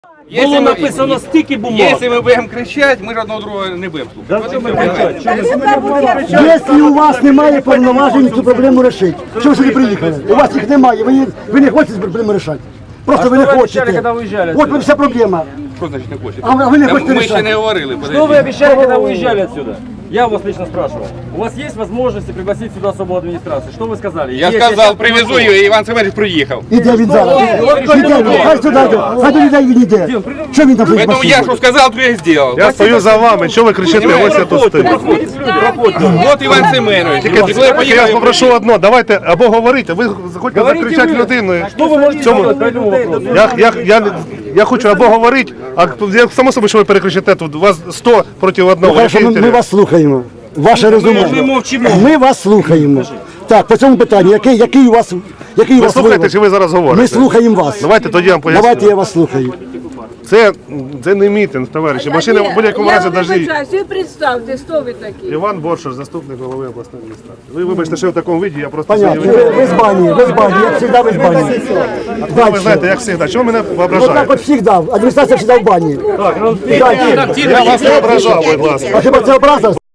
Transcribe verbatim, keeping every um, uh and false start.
Було написано стільки бумаг. Якщо ми будемо кричати, ми ж одного другого не будемо слухати. Якщо у вас немає повноважень цю проблему рішити, чому ж ви не приїхали? У вас їх немає, ви, ви не хочете цю проблему рішати. Просто ви не хочете. От ви вся проблема. Що значить не хочете? А ви не Та хочете Ми ще не рішати. говорили. Что вы подождіть. обещали, когда уезжали отсюда? Я вас лично спрашивал. У вас есть возможность пригласить сюда особую администрацию? Что вы сказали? Я Есть, сказав, щас привезу привожу. її, і Іван Семенович приїхав. Іде він зараз. Іде він, хай сюди йде. Хай до людей він іде. Що він там стоїть? Тому я що сказав, то я і зробив. Я стою за вами, що ви кричите, ось я тут стою. От Іван Семенович. Тільки Коли я я вас поїхав, попрошу одно, давайте або говорити, ви хочете Говорите закричати вы. людину. Что вы можете Цьому- сказать по этому вопросу? Я, я, я, я хочу або говорити, а я само собі, що ви перекричите тут, у вас сто проти одного. Хорошо, ми, ми вас слухаємо. Ваше резюме. Ми мовчимо. Ми вас слухаємо. Так, по цьому питанню, який, який у вас, який у Ви вас слухаєте, вивод? чи ви зараз говорите? Ми слухаємо вас. Давайте тоді я вам поясню. Давайте я вас слухаю. Це, це не мітинг, товариші. Машина в будь-якому разі Я навіть... вибачаюсь, ви представте, хто ви такі? Іван Боршаш, заступник голови обласної адміністрації. Ви вибачте, що я в такому виді, я просто Понятно. сьогодні... Ви, ви з бані, ви з бані, як завжди ви з бані. Ви знаєте, як завжди. Чого мене Вот так ображаєте? от завжди. Адміністрація завжди в бані. Дальше. Я вас не ображав, будь ласка. А хіба це образа?